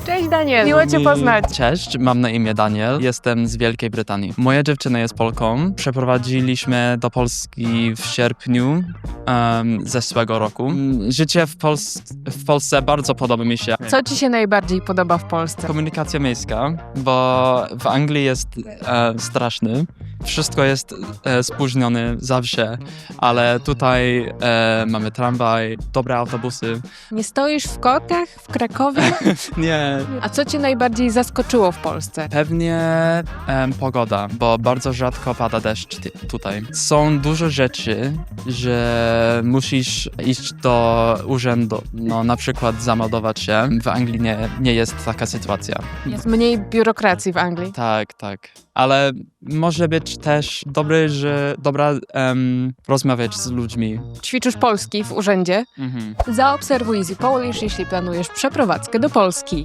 Cześć Daniel, miło Cię poznać. Cześć, mam na imię Daniel, jestem z Wielkiej Brytanii. Moja dziewczyna jest Polką. Przeprowadziliśmy do Polski w sierpniu zeszłego roku. Życie w Polsce bardzo podoba mi się. Co Ci się najbardziej podoba w Polsce? Komunikacja miejska, bo w Anglii jest straszny. Wszystko jest spóźnione zawsze, ale tutaj mamy tramwaj, dobre autobusy. Nie stoisz w korkach w Krakowie? Nie, A co Cię najbardziej zaskoczyło w Polsce? pewnie pogoda, bo bardzo rzadko pada deszcz tutaj. Są dużo rzeczy, że musisz iść do urzędu, no na przykład zameldować się. W Anglii nie jest taka sytuacja. Jest mniej biurokracji w Anglii. Tak. Ale może być też dobra rozmawiać z ludźmi. Ćwiczysz polski w urzędzie? Zaobserwuj Easy Polish, jeśli planujesz przeprowadzkę do Polski.